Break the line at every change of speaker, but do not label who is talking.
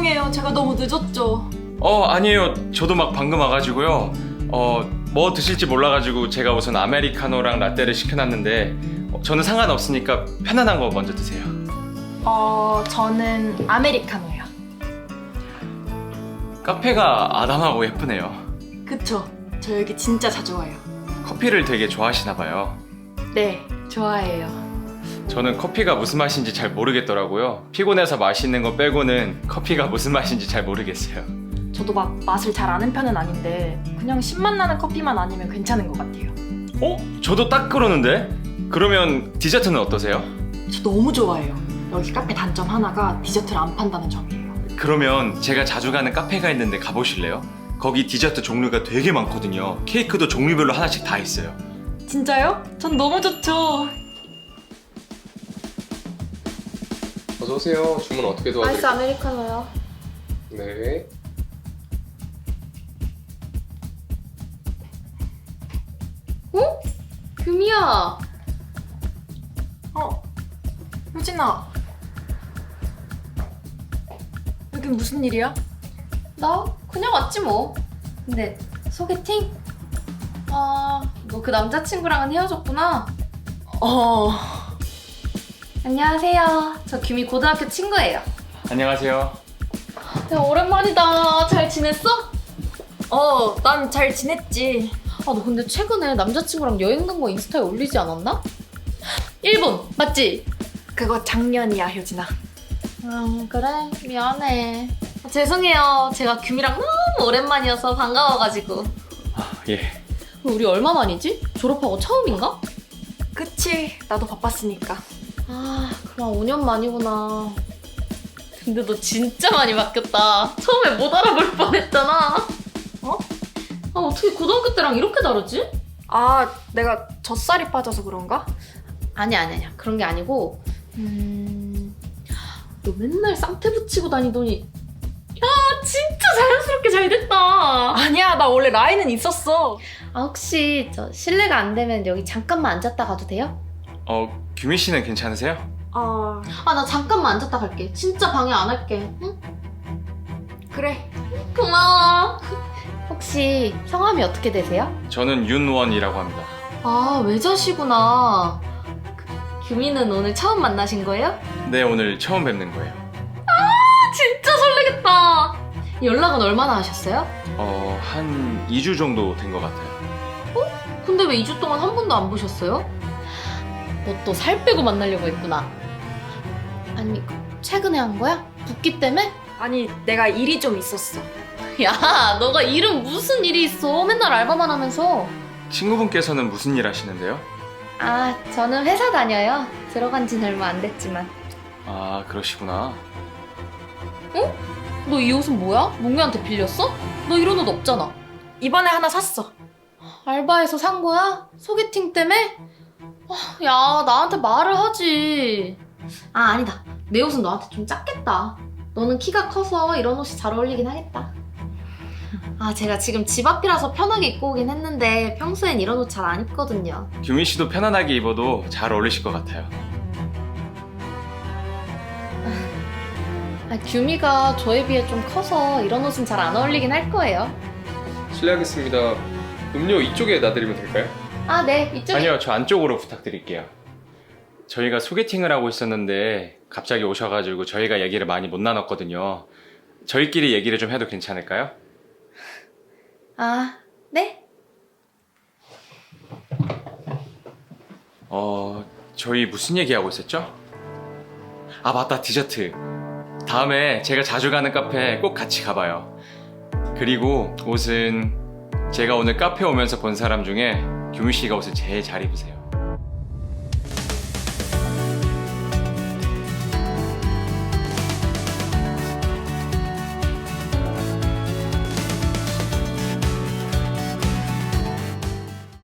죄송해요. 제가 너무 늦었죠.
아니에요. 저도 막 방금 와가지고요. 뭐 드실지 몰라가지고 제가 우선 아메리카노랑 라떼를 시켜놨는데 저는 상관없으니까 편안한 거 먼저 드세요.
저는 아메리카노요.
카페가 아담하고 예쁘네요.
그쵸? 저 여기 진짜 자주 와요.
커피를 되게 좋아하시나 봐요.
네, 좋아해요.
저는 커피가 무슨 맛인지 잘 모르겠더라고요. 피곤해서 마시는 거 빼고는 커피가 무슨 맛인지 잘 모르겠어요.
저도 막 맛을 잘 아는 편은 아닌데 그냥 신맛 나는 커피만 아니면 괜찮은 것 같아요.
저도 딱 그러는데? 그러면 디저트는 어떠세요?
저 너무 좋아해요. 여기 카페 단점 하나가 디저트를 안 판다는 점이에요.
그러면 제가 자주 가는 카페가 있는데 가보실래요? 거기 디저트 종류가 되게 많거든요. 케이크도 종류별로 하나씩 다 있어요.
진짜요? 전 너무 좋죠.
어서 오세요. 주문 어떻게
아이스
도와드릴까요?
아메리카노요.
네.
어? 규미야.
효진아. 여긴 무슨 일이야?
나 그냥 왔지 뭐. 근데 소개팅? 너 그 남자친구랑은 헤어졌구나. 안녕하세요. 저 규미 고등학교 친구예요.
안녕하세요.
야, 오랜만이다. 잘 지냈어?
난 잘 지냈지.
너 근데 최근에 남자친구랑 여행 간 거 인스타에 올리지 않았나? 일본 맞지?
그거 작년이야, 효진아.
그래 미안해. 죄송해요. 제가 규미랑 너무 오랜만이어서 반가워가지고.
예.
우리 얼마 만이지? 졸업하고 처음인가?
그치, 나도 바빴으니까.
그만 5년 만이구나. 근데 너 진짜 많이 바뀌었다. 처음에 못 알아볼 뻔했잖아. 어떻게 고등학교 때랑 이렇게 다르지?
내가 젖살이 빠져서 그런가?
아니야. 그런 게 아니고 너 맨날 쌍태 붙이고 다니더니 야 진짜 자연스럽게 잘 됐다.
아니야, 나 원래 라인은 있었어.
혹시 저 실례가 안 되면 여기 잠깐만 앉았다 가도 돼요?
규미 씨는 괜찮으세요?
나 잠깐만 앉았다 갈게. 진짜 방해 안 할게. 응?
그래.
고마워. 혹시 성함이 어떻게 되세요?
저는 윤원이라고 합니다.
외자시구나. 규미는 오늘 처음 만나신 거예요?
네, 오늘 처음 뵙는 거예요.
진짜 설레겠다. 연락은 얼마나 하셨어요?
한 2주 정도 된 것 같아요.
근데 왜 2주 동안 한 번도 안 보셨어요? 너 또 살 빼고 만나려고 했구나. 아니, 최근에 한 거야? 붓기 때문에?
아니, 내가 일이 좀 있었어.
야, 너가 일은 무슨 일이 있어? 맨날 알바만 하면서.
친구분께서는 무슨 일 하시는데요?
저는 회사 다녀요. 들어간 지는 얼마 안 됐지만.
그러시구나.
너 이 옷은 뭐야? 몽유한테 빌렸어? 너 이런 옷 없잖아.
이번에 하나 샀어.
알바에서 산 거야? 소개팅 때문에? 야, 나한테 말을 하지. 아니다. 내 옷은 너한테 좀 작겠다. 너는 키가 커서 이런 옷이 잘 어울리긴 하겠다. 제가 지금 집 앞이라서 편하게 입고 오긴 했는데 평소엔 이런 옷 잘 안 입거든요.
규미 씨도 편안하게 입어도 잘 어울리실 것 같아요.
규미가 저에 비해 좀 커서 이런 옷은 잘 안 어울리긴 할 거예요.
실례하겠습니다. 음료 이쪽에 놔드리면 될까요?
네, 이쪽에.
아니요, 저 안쪽으로 부탁드릴게요. 저희가 소개팅을 하고 있었는데 갑자기 오셔가지고 저희가 얘기를 많이 못 나눴거든요. 저희끼리 얘기를 좀 해도 괜찮을까요?
네?
저희 무슨 얘기하고 있었죠? 맞다, 디저트. 다음에 제가 자주 가는 카페 꼭 같이 가봐요. 그리고 옷은 제가 오늘 카페 오면서 본 사람 중에 규미 씨가 옷을 제일 잘 입으세요.